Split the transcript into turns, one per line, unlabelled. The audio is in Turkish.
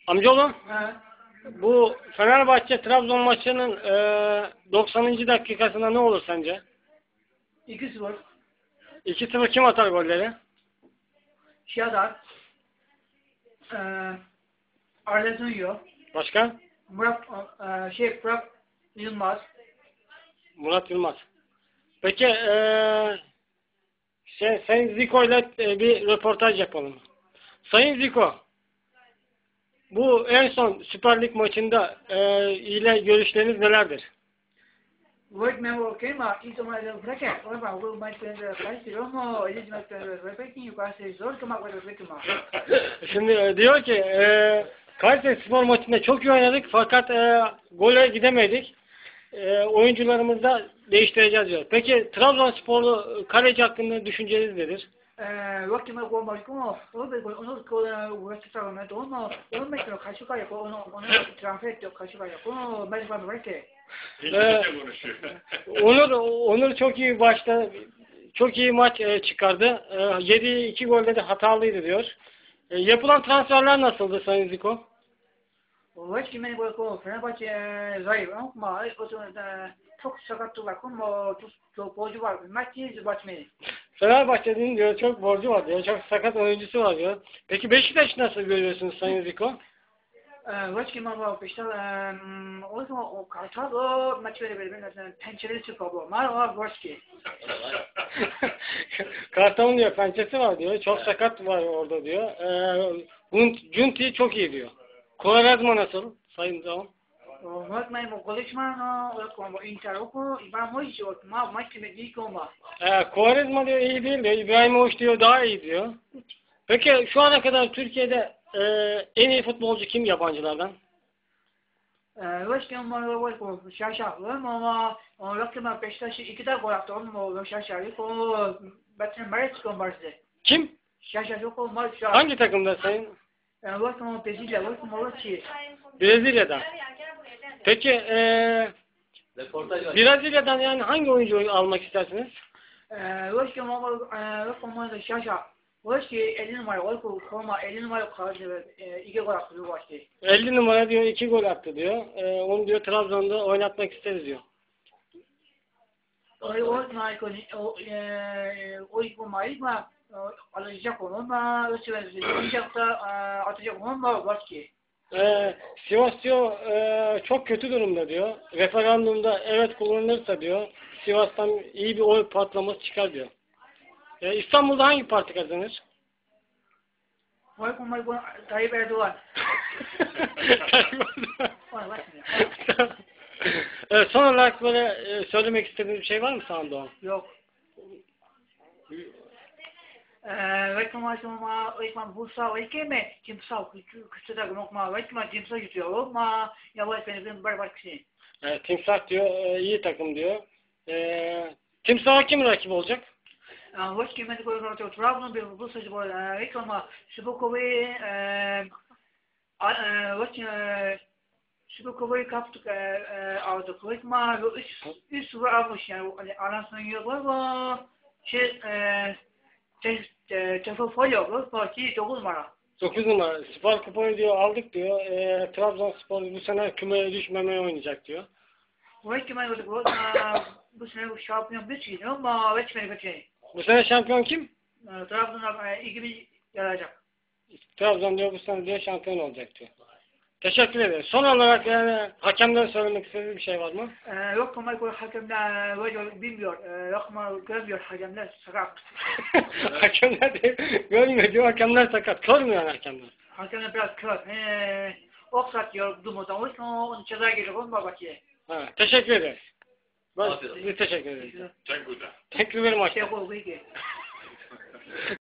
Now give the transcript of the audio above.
Amcaoğlum,
He.
bu Fenerbahçe Trabzon maçının 90. dakikasında ne olur sence?
2-0.
2-0 kim atar golleri?
Şadar. Eee Arletunyo.
Başka?
Murat Murat Yılmaz.
Murat Yılmaz. Peki Sayın Zico ile bir röportaj yapalım. Sayın Zico, bu en son Süper Lig maçında ile görüşleriniz nelerdir?
Word member kema ito mga bracket. Or ba will my friend price romo is my repeating you can say zor kama with rekma.
Şimdi diyor ki Kayseri Spor maçında çok iyi oynadık fakat gole gidemedik. Oyuncularımızı da değiştireceğiz diyor. Peki Trabzonsporlu kaleci hakkında düşünceniz nedir?
Waktu ma go ma ko o be onu ko west sa ma do no o me ko kaşuka ya ko onu transfer to kaşuka ya ko me ba bracket.
Onur çok iyi başta çok iyi maç çıkardı. Yediği 2 golde de hatalıydı diyor. Yapılan transferler nasıldı Sayın Zico?
Waktu me go ko Fenerbahçe zayıf ama o da çok sakatlı var ko mo çok borcu var. Maçı batmıyor.
Fenerbahçe'nin diyor çok borcu var diyor. Çok sakat oyuncusu var diyor. Peki Beşiktaş nasıl görüyorsunuz Sayın Zico?
Waktu ma go işte o zaman o kartalı maçları böyle pençeli çıkıyor. Mar var ki.
Kartal'ın diyor pençesi var diyor. Çok sakat var orada diyor. Junti çok iyi diyor. Kolarezma nasıl Sayın Zaman?
Wat mij mo konuşma como interrogo vamos yo ma maç me di como.
Kolarezma diyor iyi değil diyor. İbrahimovic diyor daha iyi diyor. Peki şu ana kadar Türkiye'de en iyi futbolcu kim yabancılardan?
Başka var ko şaşa ama o rakama Beşiktaş iki de gol attı o şaşa o Batman Maris kombardı.
Kim?
Şaşa yok o maç.
Hangi takımda Sayın?
Var ko Brezilya var ko Malatya.
Brezilya'da. Peki Brezilya'dan yani hangi oyuncuyu almak istersiniz?
Başka var ko şaşa. Başka 50 numara var ko forma 50 numara kaldı iki gol attı bu başta.
50 numara diyor 2 gol attı diyor. Onu diyor Trabzon'da oynatmak isteriz diyor.
O maçma alacak onu da ötecek da atacak onu da var ki.
Sivas diyor çok kötü durumda diyor. Referandumda evet kullanılırsa diyor Sivas'tan iyi bir oy patlaması çıkar diyor. İstanbul'da hangi parti kazanır?
Var ko mal ko Tayyip Erdoğan.
Son olarak böyle söylemek istediğiniz bir şey var mı Sağ Doğan?
Yok. Reklamlaşma Bursa mi? Timsah küçük de nokma timsah yutuyor ama yavaş benim berbat kişi.
Timsah diyor iyi takım diyor. Timsah'a kim rakip olacak?
Başka men koyuyor Trabzon bir Bursa bu reklama Şubukovi Şubukovi kaptık aldık rekma üst var almış yani anasının yolu Tefofolyo parti 9 numara.
9 numara. Süper Kupayı diyor aldık diyor. Trabzonspor bu sene kümeye düşmemeye oynayacak diyor.
Bu sene bu şampiyon bir şey ama geçmedi geçmedi.
Bu sene şampiyon kim?
Trabzon'a gibi yarayacak.
Trabzon diyor bu sene diyor şampiyon olacak diyor. Teşekkür ederim. Son olarak yani hakemden söylemek istediğiniz bir şey var mı?
Yok ama hakemler böyle bilmiyor. Yok ama görmüyor hakemler sakat.
Hakemler de görmüyor diyor. Hakemler sakat. Kör mü yani hakemler?
Hakemler biraz kör. Oksat diyor durmadan. O yüzden onu ceza geliyor. Onu babaki.
Teşekkür ederiz. Biz teşekkür ederiz. Thank you very much.